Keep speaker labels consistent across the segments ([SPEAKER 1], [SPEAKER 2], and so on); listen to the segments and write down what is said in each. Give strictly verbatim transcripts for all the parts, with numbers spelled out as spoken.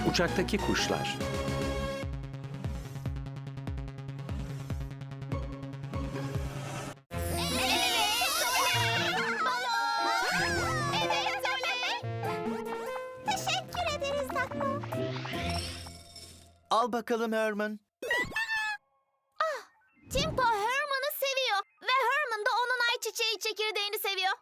[SPEAKER 1] Uçaktaki kuşlar.
[SPEAKER 2] Evet, oley. Teşekkür ederiz Dakko.
[SPEAKER 3] Al bakalım Herman.
[SPEAKER 2] Timpo Herman'ı seviyor ve Herman da onun ayçiçeği çekirdeğini seviyor.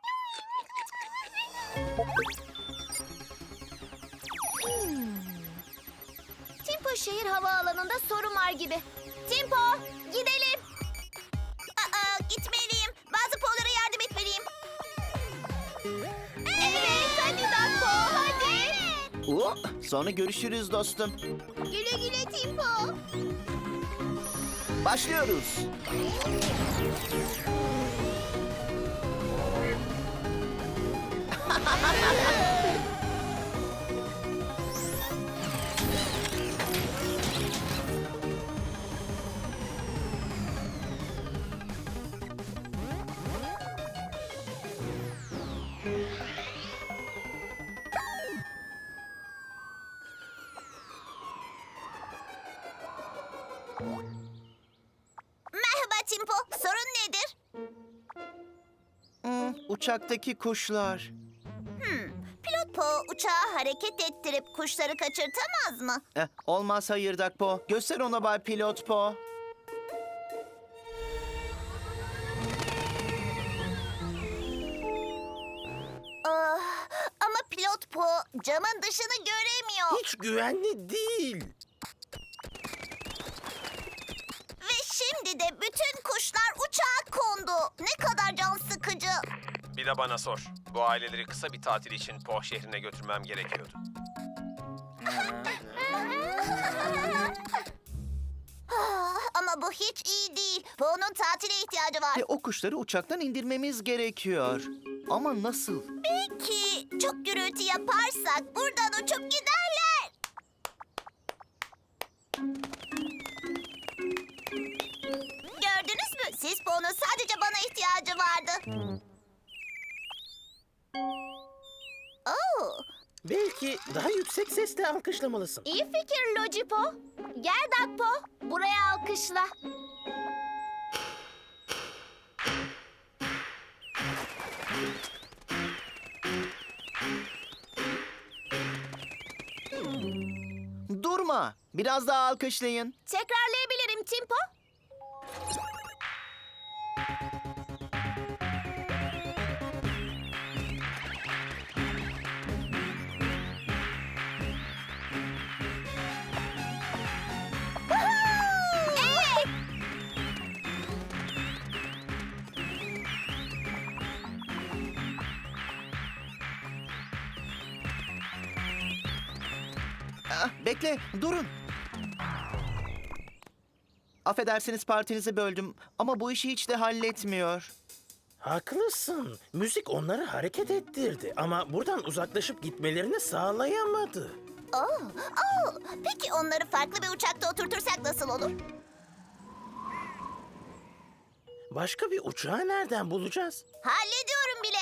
[SPEAKER 2] Hmm. Timpo şehir havaalanında sorun var gibi. Timpo, gidelim. Aa, gitmeliyim. Bazı Po'lara yardım etmeliyim. Evet, hadi Dakko, hadi.
[SPEAKER 3] Oo, sonra görüşürüz dostum.
[SPEAKER 2] Güle güle Timpo.
[SPEAKER 3] Başlıyoruz.
[SPEAKER 2] Merhaba Timpo, sorun nedir?
[SPEAKER 3] Hmm, uçaktaki kuşlar.
[SPEAKER 2] Pilot Po uçağı hareket ettirip kuşları kaçırtamaz mı?
[SPEAKER 3] Eh, olmaz hayır Dakpo. Göster ona Bay Pilot Po.
[SPEAKER 2] Ah, ama Pilot Po camın dışını göremiyor.
[SPEAKER 4] Hiç güvenli değil.
[SPEAKER 2] Ve şimdi de bütün kuşlar uçağa kondu. Ne kadar can sıkıcı.
[SPEAKER 5] Bir de bana sor. Bu aileleri kısa bir tatil için Poh şehrine götürmem gerekiyordu.
[SPEAKER 2] Ah, ama bu hiç iyi değil. Po'nun tatile ihtiyacı var.
[SPEAKER 3] Ve o kuşları uçaktan indirmemiz gerekiyor. Ama nasıl?
[SPEAKER 2] Belki çok gürültü yaparsak buradan uçup giderler. Gördünüz mü? Siz Po'nun sadece bana ihtiyacı vardı. Oo,
[SPEAKER 4] Belki daha yüksek sesle alkışlamalısın.
[SPEAKER 2] iyi fikir Logipo. Gel Dakpo, buraya alkışla.
[SPEAKER 3] Durma. Biraz daha alkışlayın.
[SPEAKER 2] Tekrarlayabilirim Timpo. Evet.
[SPEAKER 3] Ah, bekle, durun. Affedersiniz partinizi böldüm ama bu işi hiç de halletmiyor.
[SPEAKER 4] Haklısın. Müzik onları hareket ettirdi ama buradan uzaklaşıp gitmelerini sağlayamadı.
[SPEAKER 2] Oh, oh. Peki onları farklı bir uçakta oturtursak nasıl olur?
[SPEAKER 4] Başka bir uçağı nereden bulacağız?
[SPEAKER 2] Hallediyorum bile.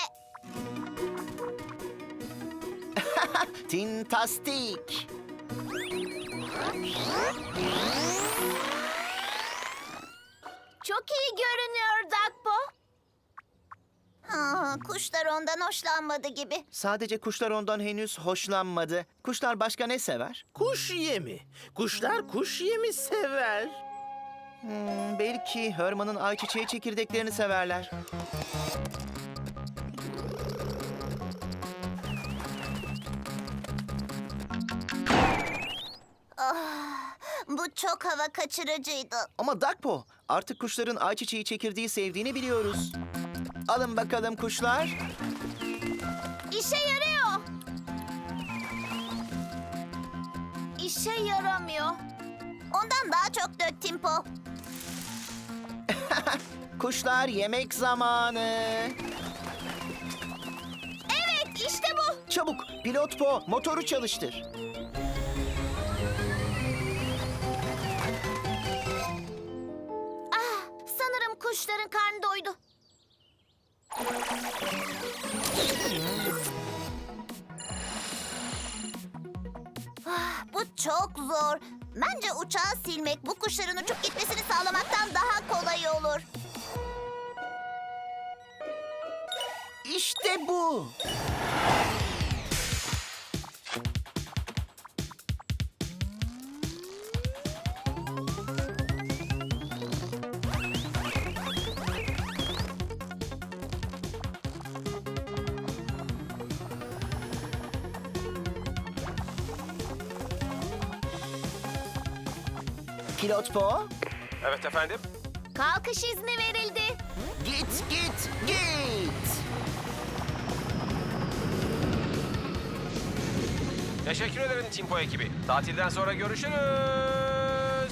[SPEAKER 3] Tintastik.
[SPEAKER 2] Çok iyi görünüyor Dakpo. Ha, kuşlar ondan hoşlanmadı gibi.
[SPEAKER 3] Sadece kuşlar ondan henüz hoşlanmadı. Kuşlar başka ne sever?
[SPEAKER 4] Kuş yemi. Kuşlar kuş yemi sever.
[SPEAKER 3] Hmm, belki Herman'ın ayçiçeği çekirdeklerini severler.
[SPEAKER 2] Bu çok hava kaçırıcıydı.
[SPEAKER 3] Ama Dakpo, artık kuşların ayçiçeği çekirdeği sevdiğini biliyoruz. Alın bakalım kuşlar.
[SPEAKER 2] İşe yarıyor. İşe yaramıyor. Ondan daha çok dök Timpo.
[SPEAKER 3] Kuşlar yemek zamanı.
[SPEAKER 2] Evet, işte bu.
[SPEAKER 3] Çabuk, pilot Po, motoru çalıştır.
[SPEAKER 2] Ah, sanırım kuşların karnı doydu. Ah, Bu çok zor. Bence uçağı silmek bu kuşların uçup gitmesini sağlamaktan daha kolay olur.
[SPEAKER 3] İşte bu. Pilot Po,
[SPEAKER 5] Evet efendim.
[SPEAKER 2] Kalkış izni verildi.
[SPEAKER 3] git git git.
[SPEAKER 5] Teşekkür ederim Timpo ekibi. Tatilden sonra görüşürüz.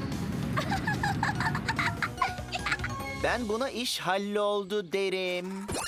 [SPEAKER 3] Ben buna iş halloldu derim.